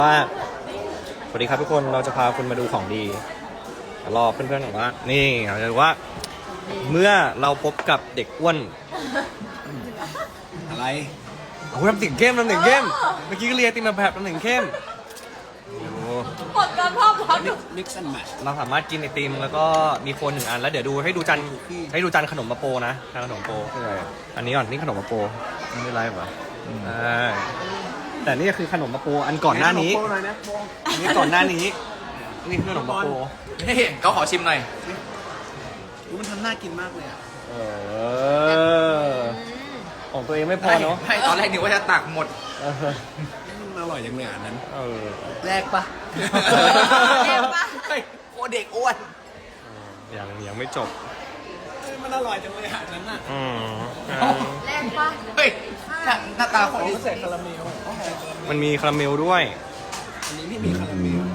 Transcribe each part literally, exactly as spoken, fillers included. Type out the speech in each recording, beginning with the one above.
ว่าสวัสดีครับทุกคนเราจะพาคุณมาดูของดีรอเพื่อนๆบอกว่านี่เราจะดูว่าเมื่อเราพบกับเด็กอ้วนอะไรโอ้โหทำเสียงเข้มทำเสียงเข้มเมื่อกี้ก็เรียนติมาแบบทำเสียงเข้มหมดการภาพพร้อม mix and match เราสามารถกินไอติมแล้วก็มีโคนหนึ่งอันแล้วเดี๋ยวดูให้ดูจานให้ดูจานขนมมาโปนะจานขนมโปอันนี้ก่อนนี่ขนมมาโปไม่ไรป่ะแต่นี่คือขนมมาโปอันก่อนหน้านี้อันนี้ก่อนหน้านี้นี่คือขนมมาโปนี่เขาขอชิมหน่อยมันทำน่ากินมากเลยอ่ะเออของตัวเองไม่พอเนาะไม่ตอนแรกนึกว่าจะตักหมดเออมันอร่อยจังเลยอันนั้นเออแรกปะแรกปะเฮ้ยโอเด็กอ้วนยังยังไม่จบมันอร่อยจังเลยอันนั้นอ่ะอืมแรกปะเฮ้ยหน้าหน้าตาคนนี้ใส่คาราเมลมันมีคาราเมลด้วยอันนี้ไม่มีคาราเมล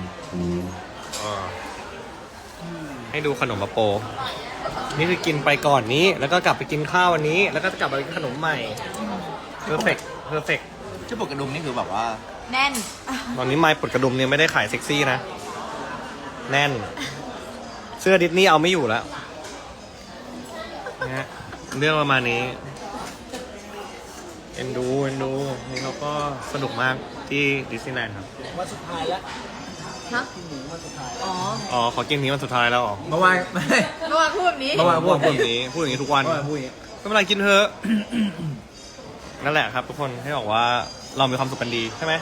ให้ดูขนมมาโป นี่คือกินไปก่อนนี้ แล้วก็กลับไปกินข้าววันนี้ แล้วก็กลับไปกินขนมใหม่ perfect perfect ชื่อปกกระดุมนี่คือแบบว่าแน่นตอนนี้ไม้ปลดกระดุมเนี่ยไม่ได้ขายเซ็กซี่นะ แน่น เสื้อดิสนีย์เอาไม่อยู่แล้วนะฮะเรื่องประมาณนี้ เอ็นดูเอ็นดูนี่เขาก็สนุกมากที่ดิสนีย์แลนด์ครับวันสุดท้ายแล้วฮะกินหมูวันสุดท้ายอ๋ออ๋อขอกินนี้วันสุดท้ายแล้วอ๋อเมื่อวานไม่เมื่อวานพูดแบบนี้เมื่อวานพูดแบบนี้พูดอย่างนี้ทุกวันเมื่อวานพูดอย่างนี้ก็ไม่เป็นไรกินเถอะ นั่นแหละครับทุกคนให้บอกว่าเรามีความสุขกันดีใช่ไหม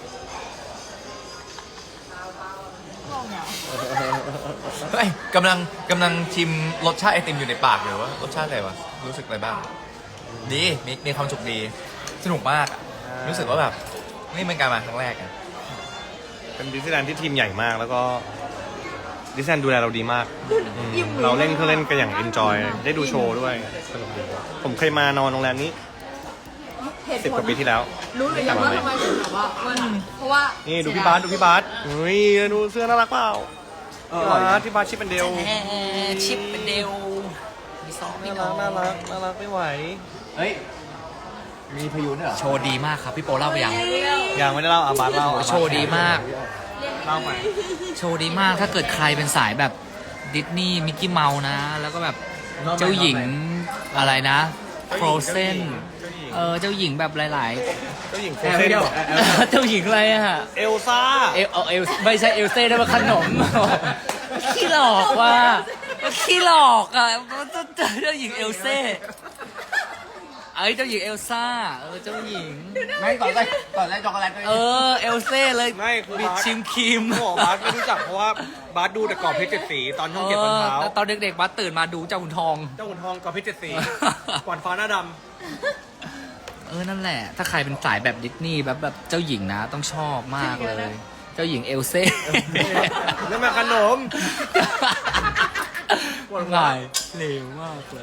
เฮ้ยกำลังกำลังชิมรสชาติไอติมอยู่ในปากอยู่ว่ารสชาติอะไรวะรู้สึกอะไรบ้าง ดีมีมีความสุขดีสนุกมากอะรู้สึกว่าแบบนี่เป็นการมาครั้งแรกอะเป็นดิสนีย์แลนด์ที่ทีมใหญ่มาก แล้วก็ดิสนีย์แลนด์ดูแลเราดีมากอืมอิ่มเราเล่นเครื่องเล่นกันอย่างเอนจอยได้ดูโชว์ด้วยสนุกดีผมเคยมานอนโรงแรมนี้เหตุสิบผกลว่าปีที่แล้วรู้หรือยังว่าทำไมถึงแบบว่ามันเพราะว่านี่ดูเสียพี่ดยบาสดูพี่บาสเฮ้ยดูเสื้อน่ารักเปล่าพี่บาสที่บาสชิปเป็นเดลชิปเป็นเดวมีซอสมีน่าทรัอก งน่ารักน่ารักไม่ไหวเฮ้ยมีพยูนด้วยเหรอโชว์ดีมากครับพี่โปเล่าไปยังยังไม่ได้เล่าอาบาสเล่าโชว์ดีมากเล่าไปโชว์ดีมากถ้าเกิดใครเป็นสายแบบดิสนีย์มิกกี้เมาส์นะ แล้วก็แบบเจ้าหญิงอะไรนะโฟรเซนเออเจ้าหญิงแบบหลายเจ้าหญิงโฟๆเซนเจ้าหญิงอะไรอะเอลซ่าเอลเอาเอลไม่ใช่เอลเซ่ได้มาขนม ขี้หลอกว่ะขี้หลอกอ่ะเจ้าหญิงเอลเซ่เอ้ยเจ้าหญิงเอลซ่าเออเจ้าหญิงไม่ก่อนแรกก่อนแรกช็อกโกแลตด้วยเออเอลเซ่เลยไม่คือบิดบาสชิมครีมเขาบอกบาสไม่รู้จักเพราะว่าบาสดูแต่กรอบเพชรเจ็ดสีตอนช่องเจ็ดตอนเช้าเออตอนเด็กๆบัสตื่นมาดูเจ้าขุนทองเจ้าขุนทองกรอบเพชรเจ็ดสีก่อนฟ้าหน้าดเออ นั่นแหละ ถ้าใครเป็นสายแบบดิสนีย์แบบแบบเจ้าหญิงนะ ต้องชอบมากเลย เจ้าหญิงเอลเซ่ำนั่นมาขนมหลายเร็วมากเลย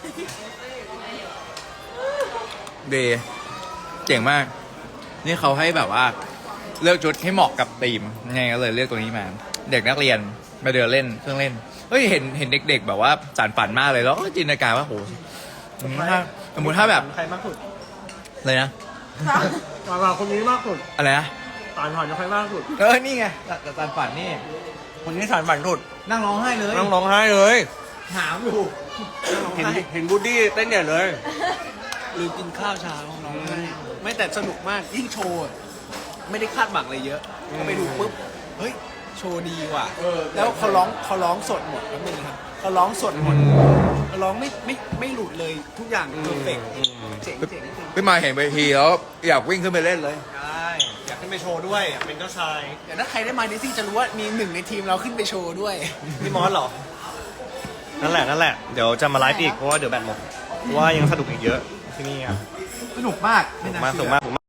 ดีเจ๋งมาก นี่เขาให้แบบว่า เลือกชุดให้เหมาะกับธีมไงก็เลยเลือกตัวนี้มา เด็กนักเรียนมาเดินเล่นเครื่องเล่นเฮ้ยเห็นเห็นเด็ก ๆ แบบว่าสานฝันมากเลยแล้วก็จินตนาการว่าโหสมมติถ้าสมมติถ้าแบบใครมากสุดเลยนะตาคนนี้มากสุดอะไรนะตานผ่านจะใครมากสุดเออนี่ไงแต่สานฝันนี่คนนี้สานฝันสุดนั่งร้องไห้เลยนั่งร้องไห้เลยหามอยู่เห็นเห็นบูดดี้เต้นใหญ่เลยหรือกินข้าวเช้าน้องไม่แต่สนุกมากยิ่งโชว์ไม่ได้คาดหวังอะไรเยอะพอไปดูปุ๊บเฮ้ยโชว์ดีว่ะแล้วเขาร้องเขาร้องสดหมดแล้วมึงครับเขาร้องสดหมดเขาร้องไม่ไม่ไม่หลุดเลยทุกอย่างเพอร์เฟกต์เจ๋งเจ๋งจริงขึ้นมาเห็นเวทีแล้วอยากวิ่งขึ้นไปเล่นเลยใช่อยากขึ้นไปโชว์ด้วยอยากเป็นเจ้าชายแต่ถ้าใครได้มาดิสซี่จะรู้ว่ามีหนึ่งในทีมเราขึ้นไปโชว์ด้วยพี่มอสเหรอ นั่นแหละนั่นแหละ เดี๋ยวจะมาไลฟ์อีกเพราะว่าเดี๋ยวแบตหมดเพราะว่ายังสนุกอีกเยอะที่นี่อ่ะสนุกมากสนุกมากสนุกมาก